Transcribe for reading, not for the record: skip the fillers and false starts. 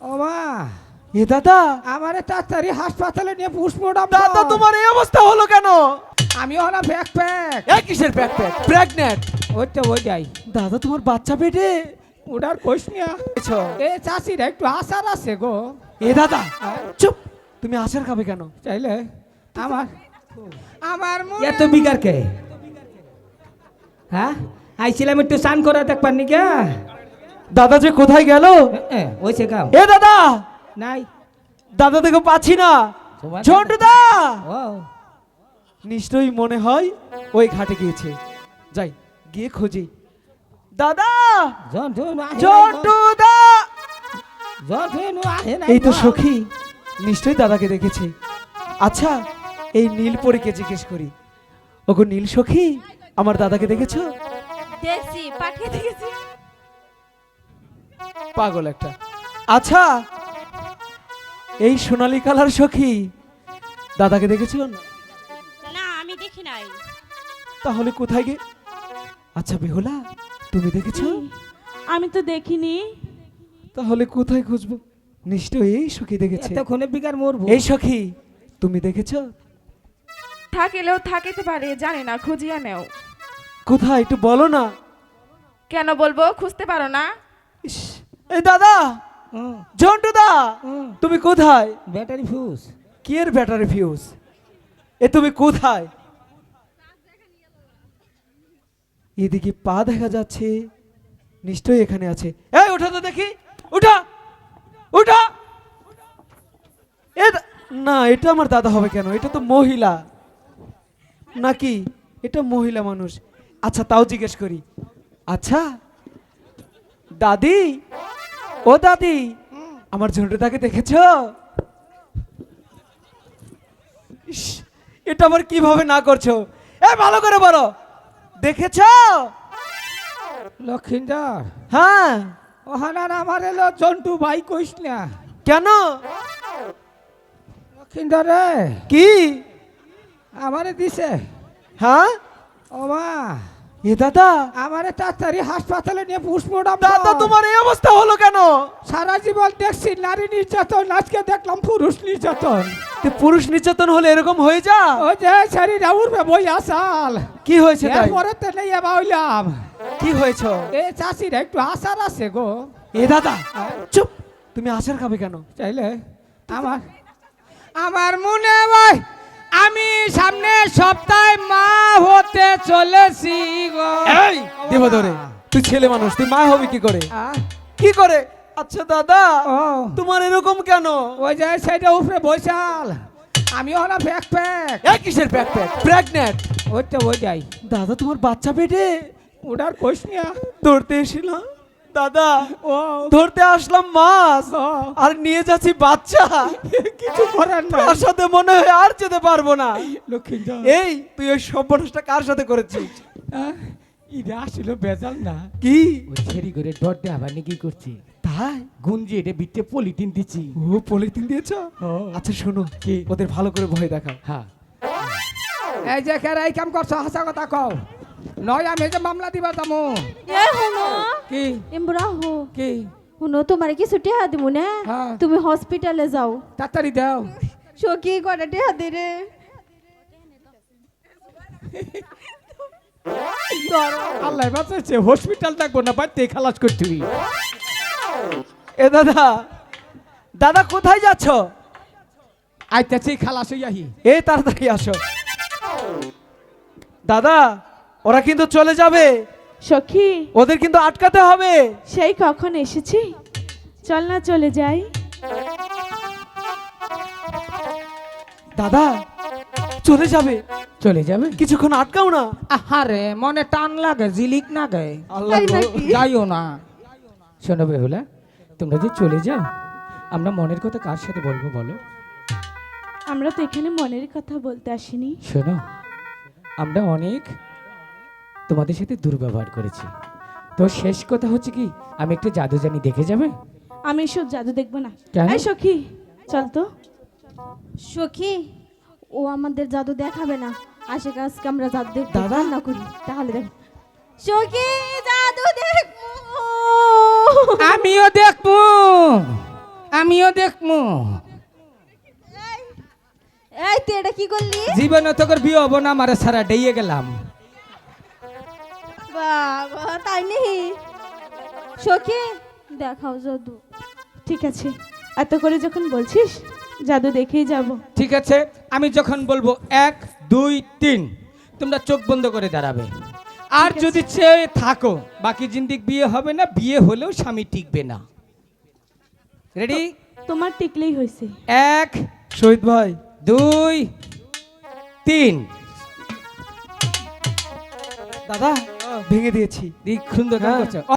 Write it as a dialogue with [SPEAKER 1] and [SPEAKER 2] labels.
[SPEAKER 1] ও মা,
[SPEAKER 2] এ দাদা,
[SPEAKER 1] আমারে তাড়াতাড়ি হাসপাতালে নিয়ে পুষ্পটাম।
[SPEAKER 2] দাদা তোমার এই অবস্থা হলো কেন?
[SPEAKER 1] আমি হলাম ব্যাকপ্যাক।
[SPEAKER 2] এই কিসের ব্যাকপ্যাক? প্রেগন্যান্ট?
[SPEAKER 1] ওইটা ওই যাই
[SPEAKER 2] দাদা তোমার বাচ্চা পেটে?
[SPEAKER 1] ওটার কোষ নিয়া এ চাষিরা একটু আশার আছে গো।
[SPEAKER 2] এ দাদা চুপ, তুমি আচার খাবে কেন?
[SPEAKER 1] চাইলে আমার আমার
[SPEAKER 3] এত বিগার কে? হ্যাঁ, আইছিলাম একটু স্নান করা দেখবার নি গা।
[SPEAKER 2] দাদা যে কোথায় গেল?
[SPEAKER 3] ওইছে গাও
[SPEAKER 2] এ দাদা,
[SPEAKER 3] নাই।
[SPEAKER 2] দাদা দেখো পাচ্ছি না।
[SPEAKER 3] তোমার
[SPEAKER 2] ঝন্টুদা,
[SPEAKER 3] ও
[SPEAKER 2] নিশ্চয়ই মনে হয় ওই ঘাটে গিয়েছে। যাই গিয়ে খুঁজি। দাদা, ঝন্টুদা, এই তো সখী, নিশ্চয়ই দাদাকে দেখেছে। আচ্ছা, এই নীলপরীকে জিজ্ঞেস করি। ওগো নীল সখী, আমার দাদাকে দেখেছো?
[SPEAKER 4] দেখছি, পাঠিয়ে দেখেছি।
[SPEAKER 2] পাগল একটা। আচ্ছা, এই সোনালী কালার সখী, দাদাকে দেখেছো?
[SPEAKER 4] না, আমি দেখি নাই।
[SPEAKER 2] তাহলে কোথায় গে? আচ্ছা বেহুলা, তুমি দেখেছো?
[SPEAKER 4] আমি তো দেখিনি।
[SPEAKER 2] তাহলে কোথায় খুঁজবো? নিশ্চয়ই এই সখী দেখেছে।
[SPEAKER 3] এতক্ষণে বিগার মরবো।
[SPEAKER 2] এই সখী, তুমি দেখেছো?
[SPEAKER 5] থাকিলেও থাকিতে পারে, জানি না, খুঁজিয়া নেও।
[SPEAKER 2] কোথায় একটু বলো না।
[SPEAKER 5] কেন বলবো? খুঁজতে পারো না?
[SPEAKER 2] ইস, এই দাদা, ঝন্টুদা, তুমি কোথায়?
[SPEAKER 3] Battery fuse.
[SPEAKER 2] কি এর ব্যাটারি ফিউজ? এ তুমি কোথায়? এদিকে পা দেখা যাচ্ছে, নিশ্চয়ই এখানে আছে। এই ওঠা তো দেখি, উঠা উঠা। না, এটা আমার দাদা হবে কেন? এটা তো মহিলা নাকি? এটা মহিলা মানুষ। আচ্ছা তাও জিজ্ঞেস করি। আচ্ছা দাদি, ও দাদি, আমার ঝন্টুদাকে দেখেছো? ইস, এটা আবার কিভাবে না করছো? ভালো করে বলো, দেখেছো?
[SPEAKER 1] লক্ষিন্দর,
[SPEAKER 2] হ্যাঁ।
[SPEAKER 1] ওহানার আমার এলো জন্টু ভাই কইস না।
[SPEAKER 2] কেন?
[SPEAKER 1] লক্ষিন্দর রে,
[SPEAKER 2] কি?
[SPEAKER 1] আমারে দিছে।
[SPEAKER 2] হ্যাঁ,
[SPEAKER 1] ও মা,
[SPEAKER 2] এ দাদা,
[SPEAKER 1] আমারে তাড়াতাড়ি হাসপাতালে নিয়ে পুষ্পটাম।
[SPEAKER 2] দাদা তোমার এই অবস্থা হলো কেন?
[SPEAKER 1] সারা জীবন দেখছি নারী নির্যাতন, আজকে দেখলাম পুরুষ নির্যাতন।
[SPEAKER 2] তো পুরুষ নির্যাতন হলে এরকম হয়ে যা?
[SPEAKER 1] ওই যে শরীরে উঠবে বই আসাল।
[SPEAKER 2] কি হয়েছে তাই?
[SPEAKER 1] এরপরে তো নেই বাউলাম।
[SPEAKER 2] কি হয়েছে?
[SPEAKER 1] এ চাষিরা একটু আশার আছে গো।
[SPEAKER 2] এ দাদা চুপ, তুমি আচার খাবে কেন?
[SPEAKER 1] চাইলে আমার আমার মনে হয় আমি সামনে সপ্তাহে মা হতে চলেছি গো।
[SPEAKER 2] এই দেব ধরে, তুই ছেলে মানুষ, তুই মা হবি কি করে?
[SPEAKER 1] আহ,
[SPEAKER 2] কি করে? আচ্ছা দাদা,
[SPEAKER 1] ও
[SPEAKER 2] তোমার এরকম কেন?
[SPEAKER 1] ওই যে সেটা উপরে বৈশাল, আমি হলাম ব্যাকপ্যাক।
[SPEAKER 2] এই কিসের ব্যাকপ্যাক? প্রেগন্যান্ট?
[SPEAKER 1] ওইটা ওই যাই
[SPEAKER 2] দাদা তোমার বাচ্চা পেটে?
[SPEAKER 1] ওটার কোষ নিয়া
[SPEAKER 2] ধরতে এসেছিলাম দাদা,
[SPEAKER 1] ও
[SPEAKER 2] ধরতে আসলাম মাছ,
[SPEAKER 1] ও,
[SPEAKER 2] আর নিয়ে যাচ্ছি বাচ্চা।
[SPEAKER 1] কিছু করার না।
[SPEAKER 2] তার সাথে মনে হয় আর যেতে পারবো না।
[SPEAKER 1] লক্ষ্মীন্দর,
[SPEAKER 2] এই তুই ওই সর্বনাশটা কার সাথে করেছিস?
[SPEAKER 1] এটা আসলে বেজাল না।
[SPEAKER 2] কি
[SPEAKER 3] ওই ছেড়ি করে ডর দিয়ে আবার কি করছি?
[SPEAKER 2] তাই?
[SPEAKER 3] গুঞ্জি এটা বিটে পলিথিন দিচ্ছি।
[SPEAKER 2] ও পলিথিন দিয়েছো? আচ্ছা শোনো,
[SPEAKER 3] কি?
[SPEAKER 2] ওদের ভালো করে ভয় দেখাও।
[SPEAKER 3] হ্যাঁ,
[SPEAKER 1] এই যে কেরা এই কাম করছো, হাসা কথা কও। নয় আমি এই যে মামলা দিবা যাবো।
[SPEAKER 4] এ হুনো,
[SPEAKER 1] কি
[SPEAKER 4] এমবরা হো।
[SPEAKER 1] কি
[SPEAKER 4] হুনো, তোমার কি ছুটি হাত দিমু না?
[SPEAKER 1] হ্যাঁ।
[SPEAKER 4] তুমি হসপিটালে যাও।
[SPEAKER 1] তাড়াতাড়ি দাও।
[SPEAKER 4] সখী কটাটে হাত দে রে।
[SPEAKER 1] আল্লাহ বাঁচাইছে, হসপিটাল থাকবো না, বাড়িতে খালাস করতে।
[SPEAKER 2] এ দাদা, দাদা কোথায় যাচ্ছ?
[SPEAKER 1] আইতাছি খালাস হইয়াহি।
[SPEAKER 2] এই তাড়াতাড়ি আসো। দাদা, ওরা কিন্তু চলে যাবে,
[SPEAKER 5] সখী,
[SPEAKER 2] ওদের কিন্তু আটকাতে হবে।
[SPEAKER 5] সেই কখন এসেছি, চল না চলে যাই।
[SPEAKER 2] দাদা চলে যাবে,
[SPEAKER 1] চলে যাবে।
[SPEAKER 2] কিছুক্ষণ আটকাও না।
[SPEAKER 1] আহারে মনে টান লাগে, জিলিক না গে।
[SPEAKER 2] আল্লাহ
[SPEAKER 4] তাই
[SPEAKER 2] গো।
[SPEAKER 4] নাকি?
[SPEAKER 1] যাইও না।
[SPEAKER 3] শোনো বেহুলা, তোমরা যে চলে যাও, আমরা মনের কথা কার সাথে বলবো বলো?
[SPEAKER 5] আমরা তো এখানে মনের কথা বলতে আসিনি।
[SPEAKER 3] শোনো, আমরা অনেক তোমাদের সাথে দুর্ব্যবহার করেছি, তো শেষ কথা হচ্ছে কি, আমি একটা জাদু জানি, দেখে যাবে?
[SPEAKER 5] আমি এসব জাদু দেখবো না।
[SPEAKER 3] কেন?
[SPEAKER 5] এই সখী, চল তো।
[SPEAKER 4] সখী, ও আমাদের জাদু দেখাবে না। আশে আজকে আমরা জাদু দেখতে
[SPEAKER 2] দাদা?
[SPEAKER 4] না করি, তাহলে দেখ। সখী, জাদু দেখবো।
[SPEAKER 1] আমিও দেখবো, আমিও দেখমু
[SPEAKER 4] এই তুই এটা কি করলি?
[SPEAKER 1] জীবনে তোর বিয়ে হবো না, আমারে সারা ডেইয়ে গেলাম।
[SPEAKER 4] বাবা তাই নেই সখী দেখাও জাদু।
[SPEAKER 5] ঠিক আছে, এত করে যখন বলছিস জাদু দেখেই যাব।
[SPEAKER 1] ঠিক আছে, আমি যখন বলবো 1 2 3 তোমরা চোখ বন্ধ করে দাঁড়াবে। আর যদি চেয়ে থাকো বাকি জিন্দিক বিয়ে হবে না, বিয়ে হলেও স্বামী টিকবে না। রেডি?
[SPEAKER 5] তোমার টিকলেই হয়েছে।
[SPEAKER 1] 1
[SPEAKER 2] শহীদ ভাই
[SPEAKER 1] 2 3
[SPEAKER 2] দাদা ভেঙে দিয়েছি।
[SPEAKER 1] দিক সুন্দর কাজ
[SPEAKER 2] হ্যাঁ।
[SPEAKER 1] করছো।